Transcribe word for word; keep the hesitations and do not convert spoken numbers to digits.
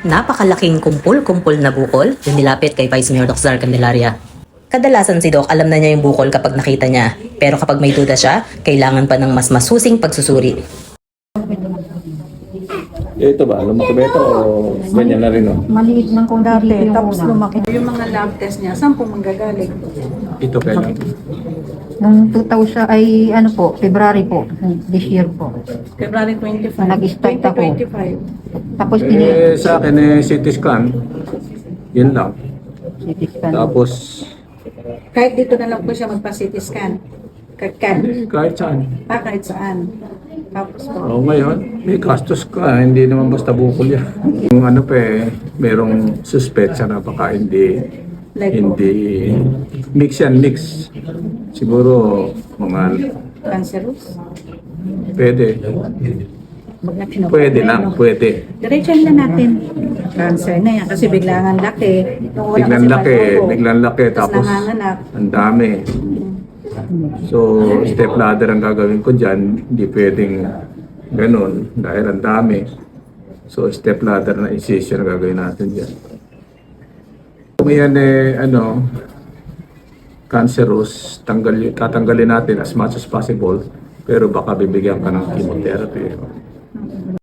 napakalaking kumpul-kumpul na bukol yung nilapit kay Vice Mayor Doc Zar Candelaria. Kadalasan si Doc alam na niya yung bukol kapag nakita niya, pero kapag may duda siya, kailangan pa ng mas masusing pagsusuri. Ito ba? Lumaki ba ito o ganyan na rin? Oh? Maliit ng kung dati, tapos lumaki. Yung mga lab test niya, saan po manggagaling? Ito kailan? Nung two thousand ay ano po, February po, this year po. February twenty-five. Nag-start ako. twenty twenty-five. Tapos ini Eh, sa akin eh, C T scan. Yun lang. C T scan. Tapos, Kahit dito na lang po siya magpa-C T scan. Kahit kan. eh, kahit saan. Ah, kahit saan. Tapos po. O ngayon, may gastos ka. Hindi naman basta bukol yan. Yung ano pa eh, merong suspetsa na baka hindi, Like hindi, mix yan, mix. Siguro, mga, cancerous. pwede. Pwede lang, pwede. Diretso na natin. Cancer na yan. Kasi biglang ang laki. Nung wala Biglang kasi laki, panubo. biglang laki. Tapos, nanganganak. ang dami. So, step ladder ang gagawin ko dyan. Hindi pwedeng ganun dahil ang dami. So, step ladder na incision ang gagawin natin dyan. Kung yan eh, ano, cancerous, tanggal, tatanggalin natin as much as possible. Pero baka bibigyan ka ng chemotherapy.